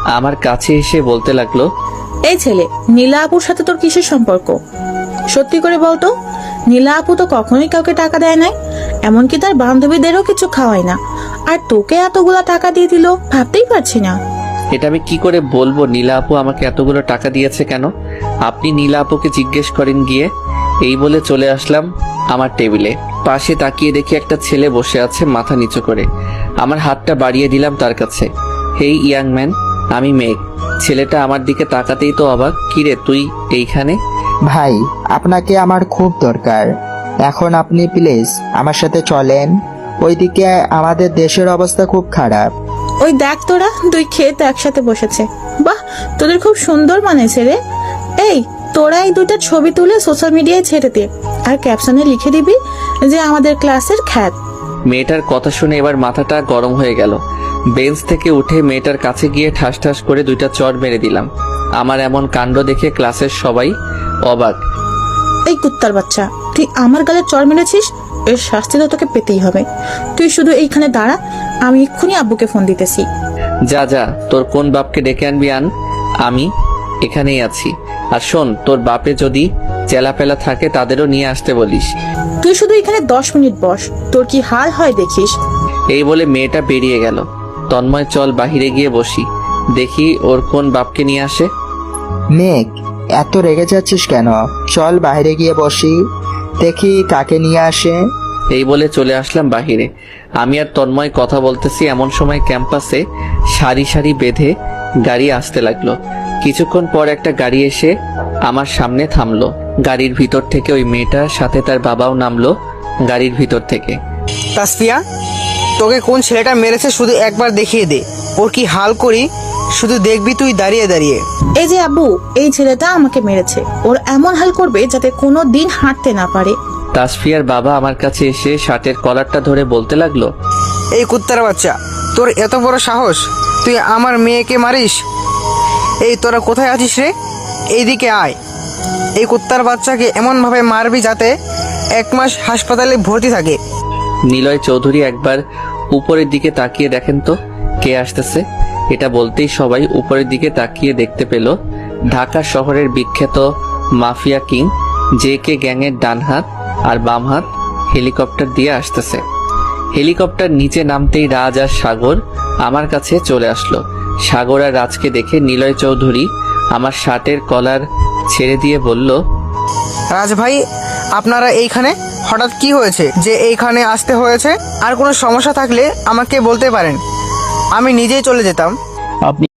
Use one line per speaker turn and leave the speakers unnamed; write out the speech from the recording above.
আমার কাছে এসে বলতে লাগলো,
এই ছেলে, নীলা আপুর সাথে তোর কিসের সম্পর্ক? সত্যি করে বলতো। নীলা আপু তো কখনোই কাউকে টাকা দেয় নাই, এমনকি তার বান্ধবীদেরও কিছু খাওয়ায় না, আর তোকে এতগুলা টাকা দিয়ে দিল, ভাবতেই পারছি না।
এটা আমি কি করে বলবো নীলা আপু আমাকে এতগুলো টাকা দিয়েছে কেন? আপনি নীলা আপুকে জিজ্ঞেস করেন গিয়ে। এই বলে চলে আসলাম আমার টেবিলে। পাশে তাকিয়ে দেখি একটা ছেলে বসে আছে মাথা নিচু করে। আমার হাতটা বাড়িয়ে দিলাম তার কাছে। হেই ইয়াং ম্যান, আমি মেঘ। ছেলেটা আমার দিকে তাকাতেই তো অবাক। কিরে তুই এইখানে?
ভাই, আপনাকে আমার খুব দরকার। এখন আপনি প্লিজ আমার সাথে চলেন। ওইদিকে আমাদের দেশের অবস্থা খুব খারাপ।
ওই দেখ, তোরা দুই ক্ষেত একসাথে বসেছে। বাহ, তোদের খুব সুন্দর মানেছে রে। এই, তোরা এই দুইটা ছবি তুলে সোশ্যাল মিডিয়ায় ছেড়ে দে, আর ক্যাপশনে লিখে দিবি যে আমাদের ক্লাসের খ্যাত।
মেয়েটার কথা শুনে এবার মাথাটা গরম হয়ে গেল। বেঞ্চ থেকে উঠে মেয়েটার কাছে গিয়ে ঠাস ঠাস করে দুইটা চড় মেরে দিলাম। আমার এমন কাণ্ড দেখে ক্লাসের সবাই অবাক।
এই কুত্তার বাচ্চা, তুই আমার গালে চড় মেরেছিস, এর শাস্তি তো তোকে পেতেই হবে। তুই শুধু এইখানে দাঁড়া, আমি এক্ষুনি আব্বুকে ফোন দিতেছি।
যা যা, তোর কোন বাপকে ডেকে আনবি আন, আমি এখানেই আছি। আর শোন, তোর বাপে যদি চেলাপেলা থাকে তাদেরও নিয়ে আসতে বলিস।
তুই শুধু এখানে 10 মিনিট বস, তোর কি হাল হয় দেখিস।
এই বলে মেয়েটা বেরিয়ে গেল। তন্ময়, চল বাহিরে গিয়ে বসি, দেখি ওর কোন বাপকে নিয়ে আসে।
মেঘ, এত রেগে যাচ্ছিস কেন? চল বাইরে গিয়ে বসি, দেখি কাকে নিয়ে আসে।
এই বলে চলে আসলাম বাহিরে। আমি আর তন্ময় কথা বলতেছি, এমন সময় ক্যাম্পাসে সারি সারি বেঁধে গাড়ি আসতে লাগলো। কিছুক্ষণ পর একটা গাড়ি এসে আমার সামনে থামলো। গাড়ির ভিতর থেকে ওই মেয়েটার সাথে তার বাবাও নামলো গাড়ির ভিতর থেকে।
তাসফিয়া, তোকে কোন ছেলেটা মেরেছে শুধু একবার দেখিয়ে দে, ওর কি হাল করি শুধু দেখবি তুই দাঁড়িয়ে দাঁড়িয়ে।
এই যে আব্বু, এই ছেলেটা আমাকে মেরেছে, ওর এমন হাল করবে যাতে কোনো দিন হাঁটতে না পারে।
তাসফিয়ার বাবা আমার কাছে এসে শার্টের কলারটা ধরে বলতে লাগলো,
এই কুত্তার বাচ্চা, তোর এত বড় সাহস, তুই আমার মেয়েকে মারিস? এই তোরা কোথায় আছিস রে? এইদিকে আয়। এই কুত্তার বাচ্চাকে এমনভাবে মারবি যাতে 1 মাস হাসপাতালে ভর্তি থাকে।
নিলয় চৌধুরী একবার উপরের দিকে তাকিয়ে দেখেন তো কে আসতেছে। এটা বলতেই সবাই উপরের দিকে তাকিয়ে দেখতে পেল ঢাকা শহরের বিখ্যাত মাফিয়া কিং JK গ্যাংয়ের ডান হাত আর বাম হাত হেলিকপ্টার দিয়ে আসতেছে। হেলিকপ্টার নিচে নামতেই রাজ আর সাগর আমার কাছে চলে আসলো। সাগর আর রাজকে দেখে নিলয় চৌধুরী আমার শার্টের কলার ছেড়ে দিয়ে বলল,
রাজ ভাই, আপনারা এইখানে হঠাৎ কি হয়েছে যে এইখানে আসতে হয়েছে? আর কোনো সমস্যা থাকলে আমাকে বলতে পারেন, আমি নিজেই চলে যেতাম।
আপনি